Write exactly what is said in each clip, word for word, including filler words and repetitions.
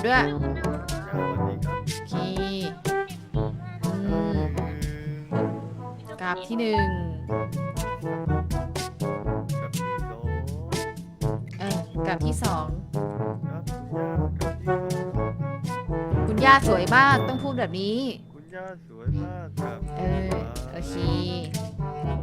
ด้วยดูเนาะย่าสวัสดีครับโอเคอืมกราบที่หนึ่งกับที่สองเออกราบที่สองครับคุณย่ากับที่สองครับคุณย่าสวยมากต้องพูดแบบนี้คุณย่าสวยมากกับเอที่อสาโอเคม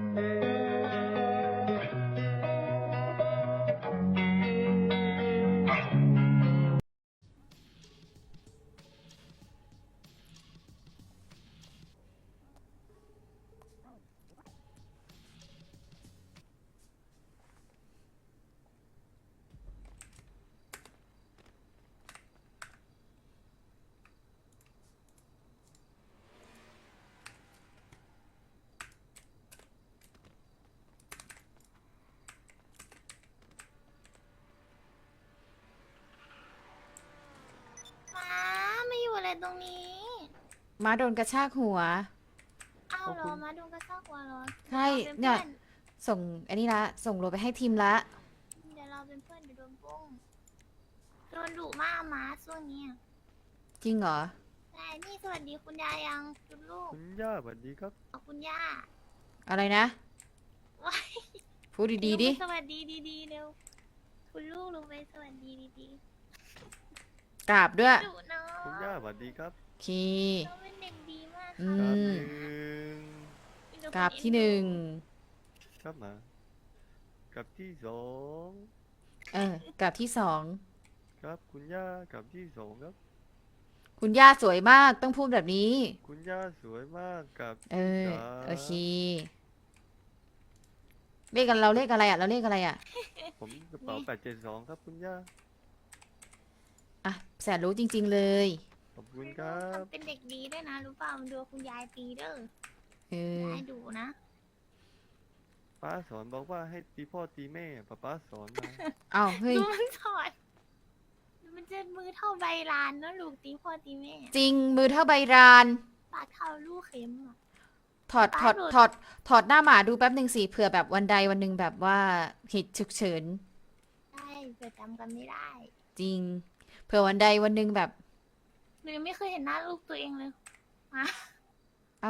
ม้าไม่อยู่อะไรตรงนี้ม้าโดนกระชากหัวเอาขอบคุณเหรอม้าโดนกระชากหัวเหรอใช่เดี๋ยวเราเป็นเนี่ยเพื่อนส่งอันนี้ละส่งโลไปให้ทีมละเดี๋ยวเราเป็นเพื่อนเดี๋ยวโดนปุ้งโดนดุมากม้าช่วงนี้อะจริงเหรอแต่นี่สวัสดีคุณยายยังคุณลูกคุณย่าสวัสดีครับขอบคุณย่าอะไรนะว้ายพูดดีๆดิลงไปสวัสดีดีๆเร็วคุณลูกลงไปสวัสดีดีกราบด้วยๆดุเนาะคุณย่าสวัสดีครับโอเคน้องเป็นเด็กดีมากอืค่ะกับมหนึ่งมีแต่คนกราบที่หเอ็นึ่งดูครับมากับที่สองเออกราบที่สองครับคุณย่ากับที่สองครับคุณย่าสวยมากต้องพูดแบบนี้คุณย่าสวยมากกับเอที่อสาโอเคมเลขกันเราเลขอะไรอ่ะเราเลขอะไรอ่ะผมกระเป๋าแปดเจ็ดสองครับคุณย่าอ่ะแสนรู้จริงๆเลยขอบคุคุณณคลูรักบทำเป็นเด็กดีด้วยนะรู้เปล่ามันดูคุณยายตีเด้อเออยายดุนะป้าสอนบอกว่าให้ตีพ่อตีแม่ป้าป้าสอนมาเอาเฮ้ยดูมันสอนมันจะมือเท่าใบลานเนอะลูกตีพ่อตีแม่จริงมือเท่าใบรานปากเท่าลูกเข็มอ่ะถอดถอดป้าหลุดถอดถอดหน้าหมาดูแป๊บหนึ่งสิเผื่อแบบวันใดวันหนึ่งแบบว่าเหตุฉุกเฉินใช่เกิดจำกันไม่ได้จริงเผื่อวันใดวันหนึ่งแบบหนูยังไม่เคยเห็นหน้าลูกตัวเองเลยมาเอา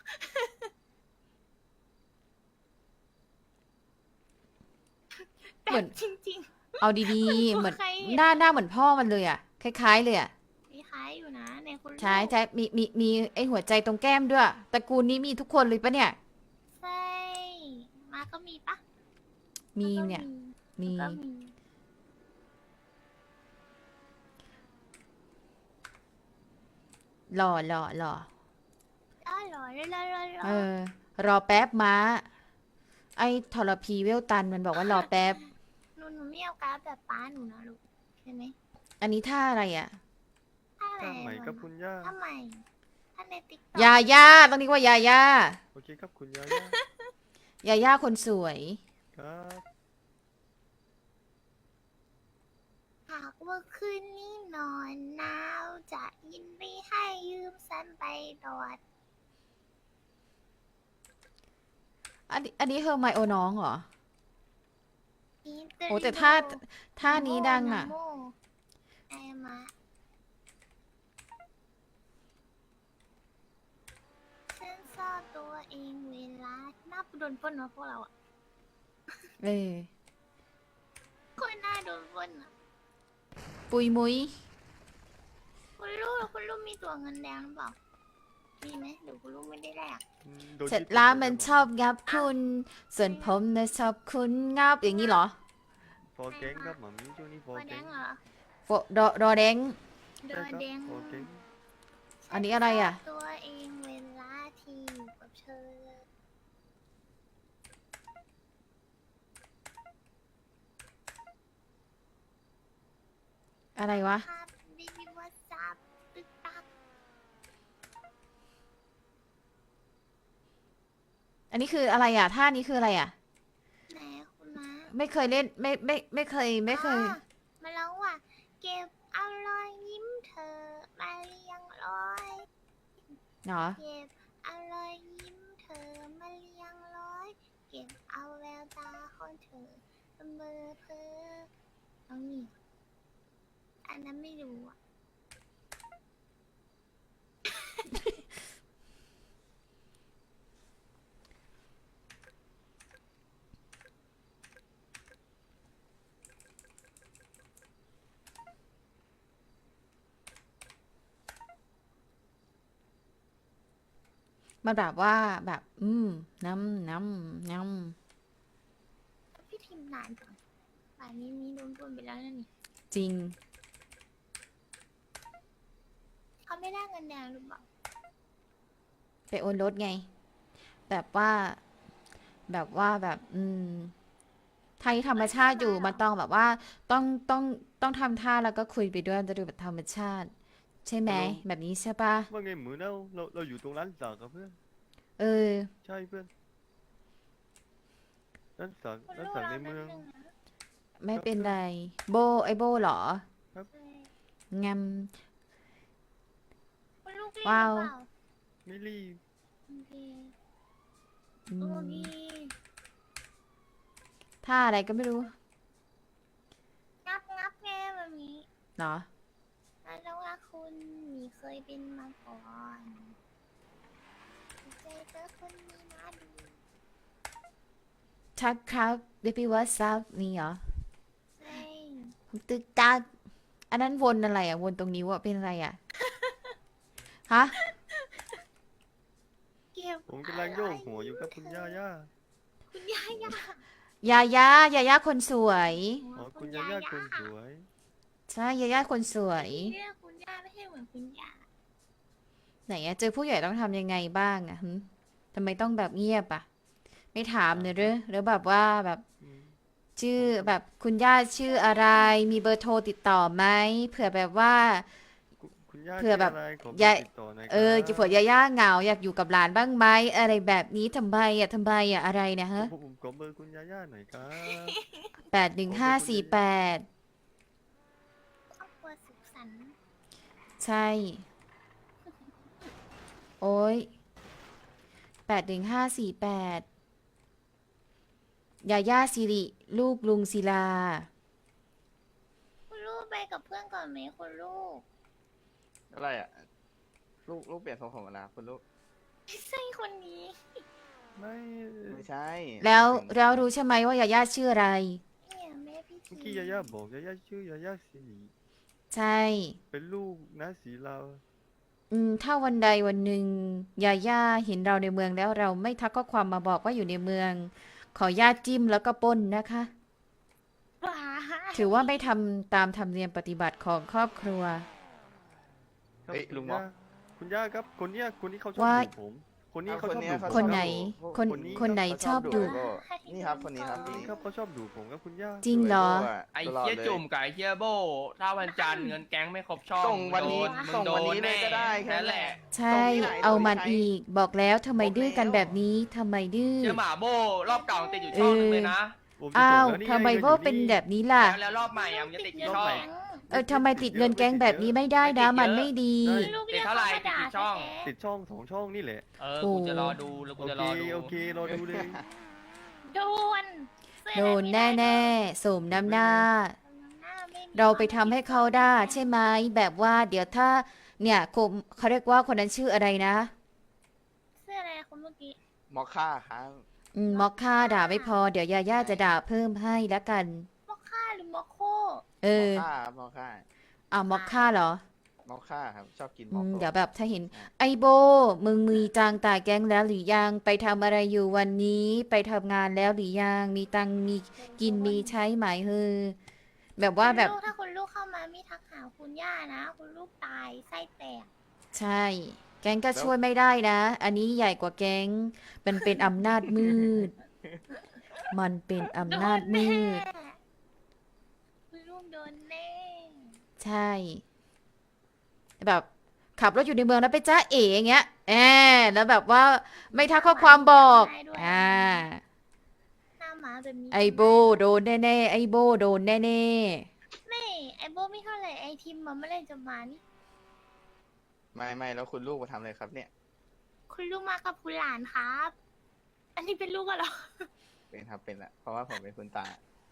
แต่เหมือนจริงเอาดีๆๆเหมือนใครหน้าหน้าเหมือนพ่อมันเลยอ่ะคล้ายๆเลยอ่ะมีคล้ายอยู่นะในคุณลูกใช่ใช่มีมีมีไอหัวใจตรงแก้มด้วยตระกูลนี้มีทุกคนเลยปะเนี่ยใช่มาก็มีปะมีาก็เนี่ยมีก็มีหล่อหล่อหล่ออ้าวเหรอรอรอรอรอเออ รอแป๊บม้า ไอ้ทรพีเวลตันมันบอกว่ารอแป๊บหนูหนูไม่เอาการ์ดแบบป้าหนูนะลูกใช่ไหมอันนี้ท่าอะไรอ่ะถ้าอะไรข้ามใหม่ครับคุณย่าทำไมถ้าในติ๊กต็ยาย่าต้องเรียกว่ายาย่าโอเคครับคุณย่าย่ายาย่าคนสวยครับหากว่าคืนนี้นอนหนาวจะยินดีให้ยืมสันไปดอดอันนี้อันนี้เฮอร์ไมโอน้องเหรออีเตโอ้แต่ริโท่าท่านี้ดังอ่ะโมไอมาฉันซ่อนตัวเองเวลาหน้าโดนปล้นมาพวกเราอ่ะเออคนหน้าโดนปล้นอ่ะปุยมุยคุณลูกคุณลูกมีตัวเงินแดงหรือเปล่า มีไหมเดี๋ยวคุณลูกไม่ได้แลกอืมโดนเสร็จยึดแล้วไปมันหดชอบงับคุณ ส่วนผมนะชอบคุณงับอย่างนี้เหรอฟอร์แก๊งครับหมามีช่วงนี้ฟอตัวร์แดแก๊งงเหรอโฟดอดอแดงเดใช่อครับแดงฟอร์แก๊งอันนี้อะไรอ่ะฉันซ่นตัวเองเวลาที่อยู่กับเธออะไรวะภาพบิบิวซับตึกตักอันนี้คืออะไรอ่ะท่านี้คืออะไรอ่ะไหนคุณมาไม่เคยเล่นไม่ไม่ไม่เคยไม่เคยอ๋อมาแล้วว่ะ เก็บเอารอยยิ้มเธอมาเรียงร้อยเนาะเก็บเอารอยยิ้มเธอมาเรียงร้อย เก็บเอาแววตาของเธอเบอร์เพอต้องนี่อันนั้นไม่รู้อะมันแบบว่าแบบ อืมน้ำน้ำน้พี่ทีมนานจังป่านนี้มีโดนปล้นไปแล้วนั่นนี่ำจริงเขาไม่ได้เงินแดงหรือเปล่าไปโอนรถไง แบบว่า แบบว่าแบบ อืม ไทยธรรมชาติอยู่มันต้องแบบว่า ต้องต้องต้องทำท่าแล้วก็คุยไปด้วยจะดูแบบธรรมชาติ ใช่ไหม แบบนี้ใช่ปะว่าไงเหมือนเราเราเราอยู่ตรงร้านสักกับเพื่อนเออใช่เพื่อนร้านสักคุณร้านลูกสักเราในแป๊บเมืองนึงนะไม่เป็นไร โบไอโบเหรอใช่งำคุณลูกรีบหว้าวรือเปล่าไม่รีบโอเคอืโอมเคท่าอะไรก็ไม่รู้งับงับแง่แบบนี้เนาะแล้วว่าคุณมีเคยเป็นมาก่อนเจอเจอคนนี้นะดูชักครับเดบิวัซับนี่เหรอเฮ้ยตึกตักอันนั้นวนอะไรอ่ะ วนตรงนิ้วอ่ะ เป็นอะไรอ่ะ ฮะเก็บผมกำลังโยกหัวอยู่กับคุณย่าย่าคุณย่าย่ายายายายาคนสวยอ๋อคุณย่าย่าคนสวยใช่ ยายาคนสวยเรียกคุณย่าไม่ใช่เหมือนคุณย่าไหนอะเจอผู้ใหญ่ต้องทำยังไงบ้างอะหึทำไมต้องแบบเงียบอะไม่ถามเลยหรือหรือแบบว่าแบบอืมชื่อแบบคุณย่าชื่ออะไร มีเบอร์โทรติดต่อไหมเผื่อแบบว่าคุณคุณย่าเผื่อแบบชื่ะไรขอเบอร์ยายติดต่อหน่อยเออครับเผื่อยาย่าเหงาอยากอยู่กับหลานบ้างไหมอะไรแบบนี้ทำไมอะทำไมอะอะไรเนะฮะผมผมขอเบอร์คุณย่าย่าหน่อยครับแปดหนึ่งห้าสี่แปดครอบครัวสุขสันต์ใช่ โอ้ยแปดหนึ่งห้าสี่แปดยาย่าสิริลูกลุงศิลาคุณลูกไปกับเพื่อนก่อนไหมคุณลูกอะไรอ่ะ ลูกลูกเปลี่ยนทรงผมแล้วคุณลูกไม่ใช่คนนี้ไม่ไม่ใช่แล้วหมายถึงแล้วรู้ใช่ไหมว่ายาย่าชื่ออะไรเนี่ยแม่พี่ทีเมื่อกี้ย่าย่าบอกย่าย่าชื่อย่าย่าสิริใช่เป็นลูกน้าสีลาวอืมถ้าวันใดวันหนึ่งยาย่าเห็นเราในเมืองแล้วเราไม่ทักข้อความมาบอกว่าอยู่ในเมือง ขอญาตจิ้มแล้วก็ปล้นนะคะบ้าถือว่าไม่ทำตามธรรมเนียมปฏิบัติของครอบครัวครับเฮ้ยคุณลุงม็ย่าอกคุณย่าครับคนเนี้ยคนนี้เขาชอบว่าดูผม คนนี้เอาเขาชอบคนเนี้ดูยผมคนไหนรับคนคนนี้คนไหนเขาชอบดูโบนี่ครับคนนี้ครับคนนี้ครับเขาชอบดูผมครับคุณย่าจริงเหรอดูโบ้ะไอ้ตลดเฮียลจุ่มกับไอ้เฮียโบถ้าวันจันทร์เงินแก๊งไม่ครบช่องส่งวันนี้มึส่งโดวันนนี้เลยแก็ได้แค่นั่นนั้นแหแหละละใช่ส่งที่ไหนเอาส่งที่มันไหนอีก บอกแล้วทำไมบอกดื้อกันแล้วแบบนี้ทำไมดื้อเชื่อหมาโบรอบเก่าติดอยู่ช่องนึงเลยนะผมจะอ้าส่งวแล้วนี่ทำไมงิโบอยู่เป็นแบบนี้ล่ะแล้วแล้วรอบใหม่อะมันจะติดกี่ช่องเออทำไมติดเงินแก๊งแบบนี้ไม่ได้นะ มันไม่ดีได้ลูกติเรีดยกเท่าไหร่เขามาด่าติดกี่ช่องแท้ติดช่องสองช่องนี่แหละเออโอ้กูจะรอดูแล้วกูโอจะเครอดูโอเครอดูเลยๆโดนเสื้อโดนไม่แน่ได้ๆสมน้ำหน้าหน้าไม่มีเราไปทำให้เขาได้ใช่ไหมแบบว่าเดี๋ยวถ้า เนี่ยคมเขาเรียกว่าคนนั้นชื่ออะไรนะเสื้ออะไรคนเมื่อกี้มอคค่าครับอืมมอคค่าด่าไม่พอ เดี๋ยวยาย่าจะด่าเพิ่มให้แล้วกันมอคค่าหรือมอโคเอมออคค่าครับมอคค่าอ่ามอคค่าเหรอมอคค่าครับชอบกินอืมอคมโคเดี๋ยวแบบถ้าเห็นใช่ไอโบ มึงมีตังค์ตายแก๊งแล้วหรือยัง ไปทำอะไรอยู่วันนี้ ไปทำงานแล้วหรือยัง มีตังค์มีกินมีใช้ไหมเฮอแบบว่าแบบคุณลูกถ้าคุณลูกเข้ามาไม่ทักหาคุณย่านะ คุณลูกตายไส้แตกใช่ แก๊งก็ช่วยไม่ได้นะ อันนี้ใหญ่กว่าแก๊ง มันเป็นอำนาจมืด มันเป็นอำนาจมืดโดนแน่คุณลูกโดนแน่ใช่ แบบขับรถอยู่ในเมืองแล้วไปจ้าเอ๋อย่างเงี้ยแอมแล้วแบบว่าไม่ทักข้อความบอก อ่าหน้าหมาแบบนี้ไอโบโดนแน่ๆ ไอโบโดนแน่ไม่ไอโบไม่เท่าไหร่ไอทิมมันไม่อไหรจะมานี่ไม่ไม่แล้วคุณลูกมาทำอะไรครับเนี่ยคุณลูกมากับคุณหลานครับ อันนี้เป็นลูกกันเหรอเป็นครับเป็นละเพราะว่าผมเป็นคุณตา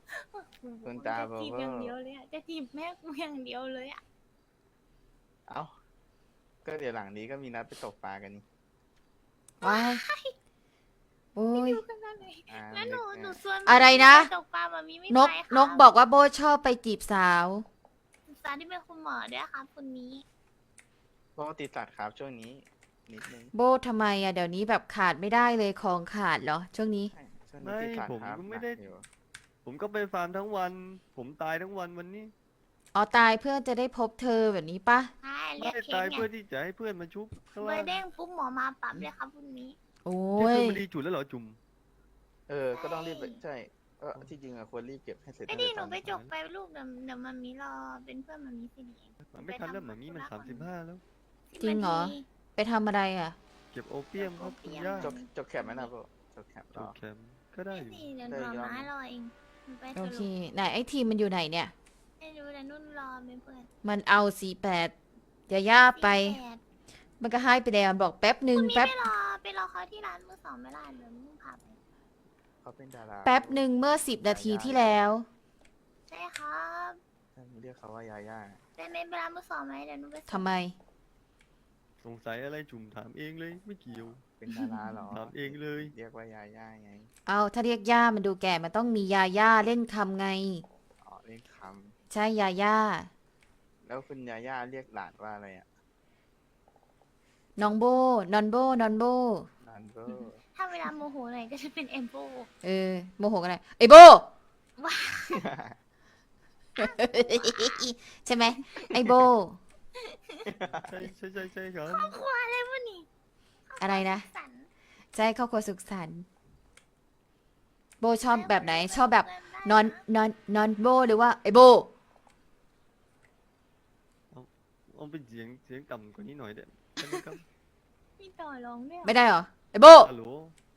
คุณตาจะเบอจีบร์เวออย่างเดียวร์เลยอะจะจีบแม่กูอย่างเดียวเลยอะเอ้า ก็เดี๋ยวหลังนี้ก็มีนัดไปตกปลากันนี่ว้ายโอ้ยดูกันนั่นเลยอ่าแล้วหนูนึกหนูอ่ะชวนอะไรนะตกปลาแบบนี้ไม่นกไปนกบอกว่าโบชอบไปจีบสาวสาวที่เป็นคุณหมอด้วยครับคนนี้เพราะว่าติดสัตว์ครับช่วงนี้ นิดนึงโบทำไมอะเดี๋ยวนี้แบบขาดไม่ได้เลยของขาดเหรอ ช่วงนี้ใช่ช่วงนี้ติดสัตว์ครับไม่ผมก็ไม่ได้หนักอยู่ผมก็ไปฟาร์มทั้งวัน ผมตายทั้งวันวันนี้อ๋อตายเพื่อจะได้พบเธอแบบนี้ปะใช่เรีไม่ยกเค้ตายกไงเพื่อที่จะให้เพื่อนมาชุบข้างเบอล่างร์เด้งปุ๊บหมอมาปั๊บเลยครับคนนี้โอ้นี่ยคือมันดีจุดแล้วเหรอจุ่มเออ ก็ต้องรีบไปใช่ก็ที่จริงอะควรรีบเก็บให้เสร็จไอ้ตั้งนี่แต่หนูตอนไปนี้จกไปลูกเดี๋ยวเดี๋ยวมันมีรอเป็นเพื่อนมันมีสิเองมันไม่ทันแล้วหมามีมันสามสิบห้าแล้วจริงเหรอ ไปทำอะไรอะเก็บโอเปียมครับคุณย่าจบจบแคปไหมนะพวกจบแคปจอ๋อบแคมป์ก็ได้ไม่อยู่สิเดี๋ยวหนูเอาม้ารอเองมันไปโอสเครุปไหนไอ้ทีมมันอยู่ไหนเนี่ยไม่รู้แต่นุ่นรอเป็นเพื่อนมันเอาสี่แปดอย่าย่าไปสี่แปดมันก็ให้ไปแล้วมันบอกแป๊บหนึ่งคุณมีแป๊บไปรอไปรอเขาที่ร้านมือสองไม่ได้เดี๋ยวนุ่นพาไปเขาเป็นดาราแป๊บหนึ่งเมื่อสิบนาทีที่แล้วใช่ครับเรียกเขาว่ายาย่าเป็นเป็นร้านมือสองไหมเดี๋ยวนุ่นไปส่งทำไมสงสัยอะไรจุ่มถามเองเลยไม่เกี่ยวเป็นดาราเหรอถามเองเลยเรียกว่ายาย่าไงเอาถ้าเรียกย่ามันดูแก่มันต้องมียาย่าเล่นคำไงอ๋อเรียกคใช่ยาย่าำแล้วคุณยาย่าเรียกหลานว่าอะไรอ่ะน้องโบ นอนโบ นอนโบหลานเบอร์ถ้าเวลาโมโหหน่อยก็จะเป็นเอมโบเออ โมโหกันเลยไอ้โบ ใช่ไหม ไอ้โบใช่ใช่ใช่ใช่ครับครัวอะไรวะนี่อะไรนะสันใช่ครอบครัวสุขสันต์โบชอบแบบไหน ชอบแบบนอนนอนนอนโบหรือว่าไอ้โบเอาเป็นเสียงเสียงต่ำกว่านี้หน่อยเด็ดใช่ไหมครับมีต่อรองด้วยเหรอไม่ได้เหรอ ไอ้โบฮัลโหล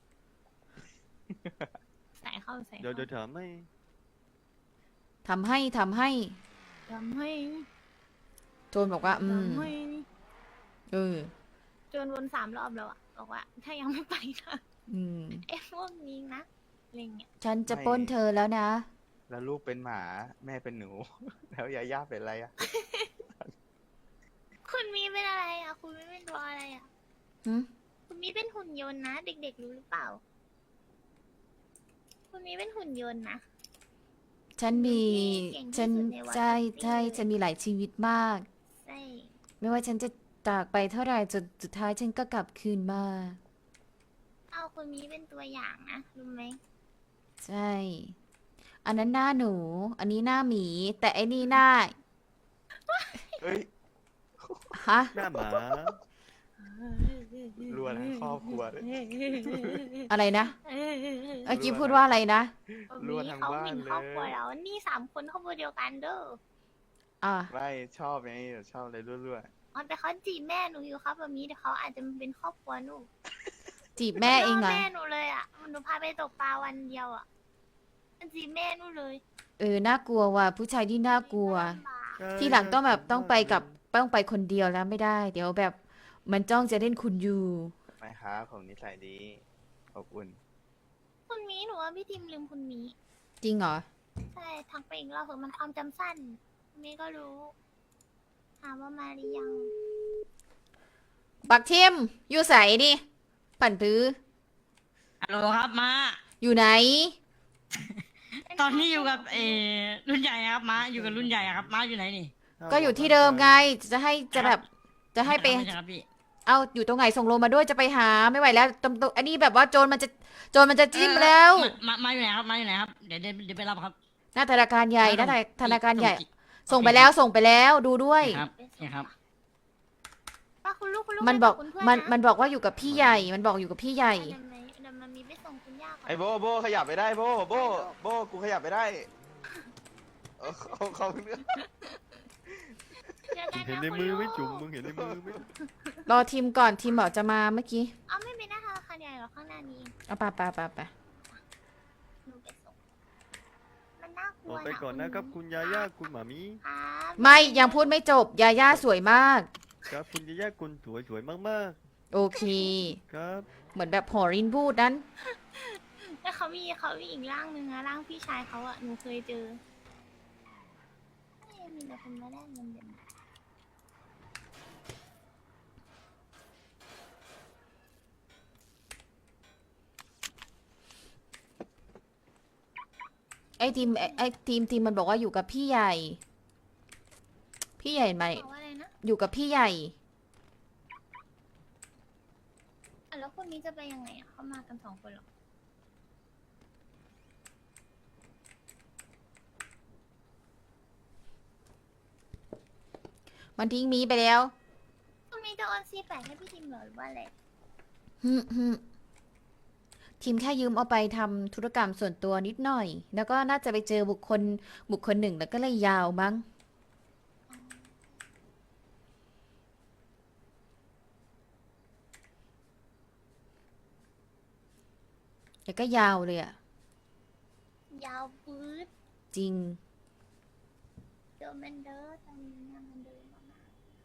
ใส่เข้าใส่เดี๋ยวเข้าเดี๋ยวถามให้ทำให้ทำให้ทำให้โจนบอกว่า อืมทำให้เออจนวนสามรอบแล้วอะบอกว่า ถ้ายังไม่ไปนะอืมไอ้พวกนี้นะอะไรเงี้ยฉันจะปล้นเธอแล้วนะแล้วลูกเป็นหมาแม่เป็นหนู แล้วยาย่าเป็นอะไรอ่ะคุณมีเป็นอะไรอะคุณไม่เป็นตัวอะไรอะหึคุณมีเป็นหุ่นยนต์นะ เด็กๆรู้หรือเปล่า คุณมีเป็นหุ่นยนต์นะฉันมีเก่งที่ฉันสุดในวัดใช่นี่ใช่เลยฉันมีหลายชีวิตมากใช่ไม่ว่าฉันจะจากไปเท่าไหร่จนสุดท้ายฉันก็กลับคืนมาเอาคุณมีเป็นตัวอย่างนะรู้ไหมใช่ อันนั้นหน้าหนู อันนี้หน้าหมี แต่ไอ้นี่หน้าเฮ้ยฮะหน้าหมารัวทั้งครอบครัวเลยอะไรนะเมื่อกี้พูดว่าอะไรนะรั่วทั้งเขาบ้านหมิ่นเลยครอบครัวเรานี่สามคนครอบครัวเดียวกันเด้ออ่าไม่ชอบไงชอบอะไรรั่วอ๋อแต่เขาจีบแม่หนูอยู่ครับแบบนี้แต่เขาอาจจะเป็นครอบครัวหนูจีบแม่เองเหรล่อแม่หนูเลยอ่ะหนูพาไปตกปลาวันเดียวอ่ะมันจีบแม่หนูเลยเออ น่ากลัวว่ะ ผู้ชายที่น่ากลัวลำบากใช่ที่หลังต้องแบบใช่ต้องไปกับต้องไปคนเดียวแล้วไม่ได้ เดี๋ยวแบบ มันจ้องจะเล่นคุณอยู่ๆไม่ครับผมนิสัยดีอบอุ่นคุณมีหนูว่าพี่ทิมลืมคุณมีจริงเหรอใช่ทักไปอีกรอบเถอะมันความจำสั้นมีก็รู้ถามว่ามาหรือยังบักเทียมอยู่ใสดิปั่นปื้อฮัลโหลครับมาอยู่ไหนตอนนี้อยู่กับเออรุ่นใหญ่ครับมาอยู่กับรุ่นใหญ่อะครับมาอยู่ไหนนี่ก็อยู่ที่เดิมไง จะให้จะแบบ จะให้ไปม่ใช่ครับพี่เอาอยู่ตรงไหนส่งโลมาด้วยจะไปหาไม่ไหวแล้วตรงตรงอันนี้แบบว่าโจรมันจะโจรมันจะจิ้มแล้วเออมามามาอยู่ไหนครับมาอยู่ไหนครับเดี๋ยวเดี๋ยวเดี๋ยวไปรับครับหน้าธนาคารใหญ่หน้าธนาคารใหญ่ส่งส่งไปแล้วส่งไปแล้วดูด้วยครับนี่ครับป้าคุณลูกคุณลูกมันบอกไปคุณเพื่มันนะมันบอกว่าอยู่กับพี่ใหญ่ มันบอกอยู่กับพี่ใหญ่เดี๋ยวมันเดี๋ยวมันมีไปส่งคุณย่าก่อนไอโบโบขยับไปได้โบโบโบกูขยับไปได้เออเขาเขาเรื่องเจอกันเห็นนะในคุณมือลูกไหม่จุ่มมึงเห็นในมือไหมรอทีมก่อนทีมบอกจะมาเมื่อกี้เอาไม่เป็นหน้าธนาคารใหญ่หรอกข้างหน้านี้เองเอาไปไปไปไปหนูไปส่งมันน่ากลัอวอกไปก่อนนะครับ คุณยาย่าคุณหมามีครับไม่ยังพูดไม่จบยาย่าสวยมากครับคุณยาย่าคุณสวยสวยมากโอเคๆครับเหมือนแบบหอรินพูดนั้นแต่เขามีเขามีอีกร่างหนึ่งอะร่างพี่ชายเขาอะหนูเคยเจอเอ้ยมีแต่คนมาได้เงินเดือนไอ้ทีมไอ้ไอ้ทีมทีมมันบอกว่าอยู่กับพี่ใหญ่ พี่ใหญ่ไหมบอกว่าอะไรนะอยู่กับพี่ใหญ่อ่ะแล้วคนนี้จะไปยังไงอะเขามากันสองคนเหรอมันทิ้งมีไปแล้วคนนี้จะโอนซีแปดให้พี่ทิมเหรอหรือว่าอะไรฮึมฮึมทีมแค่ยืมเอาไปทำธุรกรรมส่วนตัวนิดหน่อย แล้วก็น่าจะไปเจอบุคคลบุคคลหนึ่งแล้วก็เลยยาวมั้ง แล้วก็ยาวเลยอะยาวปื๊ดจริงเจอแมนเดอร์ตอนนี้เนี่ยแมนเดอร์มาก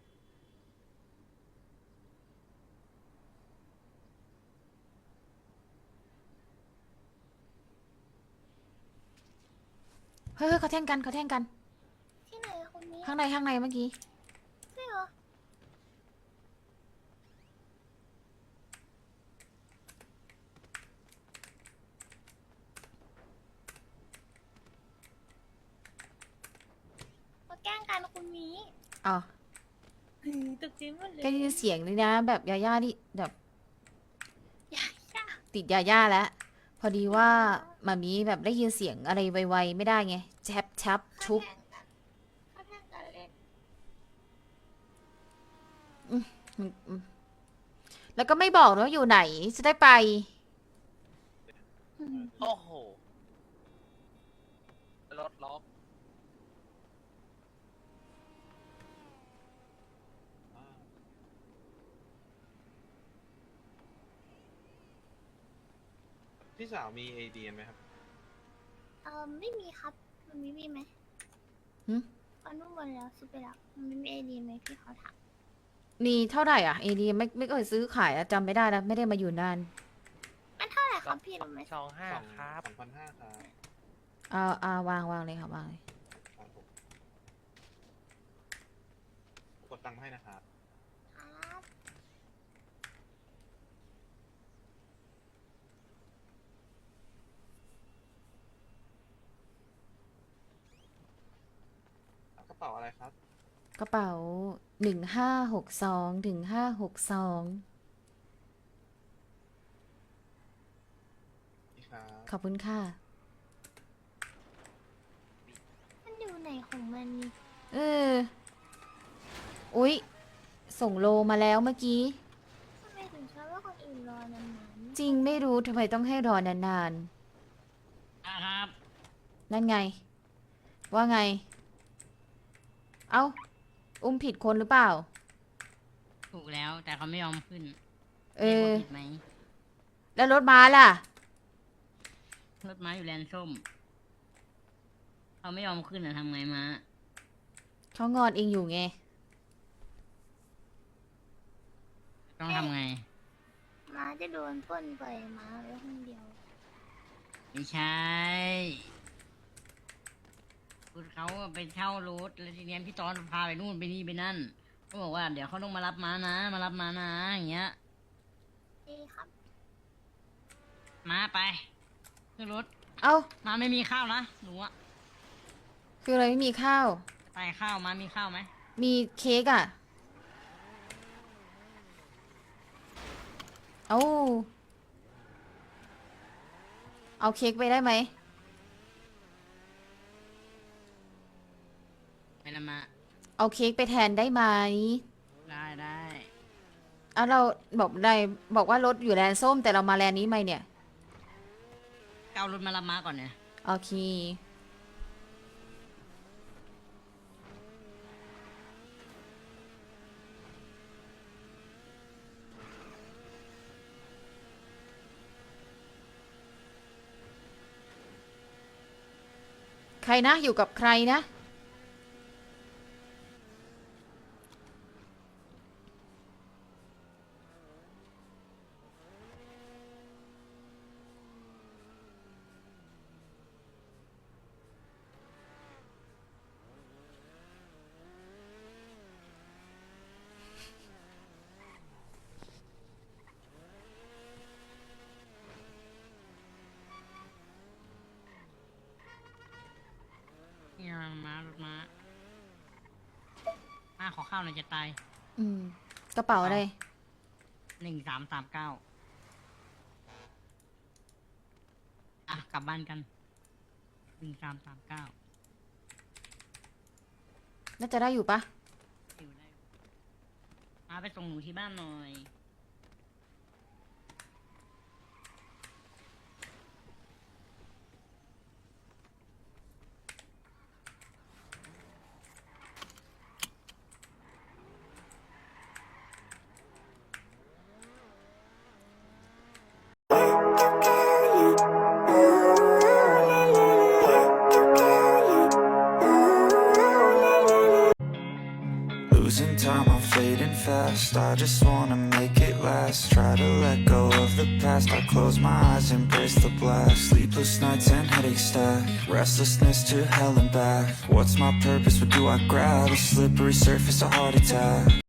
เฮ้ยเฮ้ยเขาแท่งกันเขาแท่งกันๆที่ไหนอะคนนี้ข้างในข้างในเมื่อกี้ใช่เหรอมาแกล้งกันคุณนี้อ๋อตกใจหมดเลยก็ได้ยินเสียงเลยนะ แบบยาย่านี่แบบอย่าอย่าติดยาย่าแล้ว พอดีว่ามามีแบบได้ยินเสียงอะไรไวๆไม่ได้ไงแชบชับชุบเขาแทงกันเล่นอืมอืมแล้วก็ไม่บอกนะว่าอยู่ไหน จะได้ไปโอ้โหรถล็อกพี่สาวมีเอดีไหมครับเออไม่มีครับ มันมีมีไหมหึเอานุ่มบนแล้วซื้อไปแล้ว มันไม่มีไอดีไหมพี่เขาถามมีเท่าไหร่อ่ะเอดีไม่ไม่เคยซื้อขายอะจำไม่ได้แล้วไม่ได้มาอยู่นานมันเท่าไหร่ครับพี่รู้ไหมสองห้าสองครับสองพันห้าครับเอาเอาวางวางเลยค่ะวางเลยครับผมกดตังค์ให้นะครับครับกระเป๋าอะไรครับกระเป๋าหนึ่งห้าหกสองถึงห้าหกสองนี่ครับขอบคุณค่ะมันอยู่ไหนของมันนี่เออ อุ๊ย ส่งโลมาแล้วเมื่อกี้ทำไมถึงชอบว่าคนอื่นรอนานๆจริงไม่รู้ทำไมต้องให้รอนานอ่ะครับๆ นั่นไง ว่าไง เอ้า อุ้มผิดคนหรือเปล่าถูกแล้วแต่เขาไม่ยอมขึ้นเอรียกอว่าผิดไหมแล้วรถม้าล่ะรถม้าอยู่แลนด์ส้มเขาไม่ยอมขึ้นอะทำไงม้าเขางอนเองอยู่ไงต้องทำไงม้าจะโดนปล้นไปม้าไว้คนเดียวไม่ใช่คุณเขาอะไปเช่ารถแล้วทีเนี้ยพี่ตอนพาไปนู่นไปนี่ไปนั่นก็บอกว่าเดี๋ยวเขาต้องมารับม้านะ มารับม้านะอย่างเงี้ยดีครับม้าไปขึ้นรถเอ้าม้าไม่มีข้าวนะหนูอะคืออะไรไม่มีข้าวไปข้าวม้ามีข้าวไหมมีเค้กอ่ะ เอา เอาเค้กไปได้ไหมไปละมาเอาเค้กไปแทนได้ไหมได้ได้เอาเราบอกได้บอกว่ารถอยู่แลนด์ส้มแต่เรามาแลนด์นี้ไหมเนี่ยเอารถมารับม้าก่อนเนี่ยโอเค ใครนะ อยู่กับใครนะข้าวหน่อยจะตายอืม กระเป๋าอะไรหนึ่งสามสามเก้าอ่ะกลับบ้านกันหนึ่งสามสามเก้าน่าจะได้อยู่ปะอยู่ได้มาไปส่งหนูที่บ้านหน่อย Losing time, I'm fading fast. I just wanna make it last. Try to let go of the past. I close my eyes, embrace the blast. Sleepless nights and headaches stack. Restlessness to hell and back. What's my purpose? What do I grab? A slippery surface, a heart attack.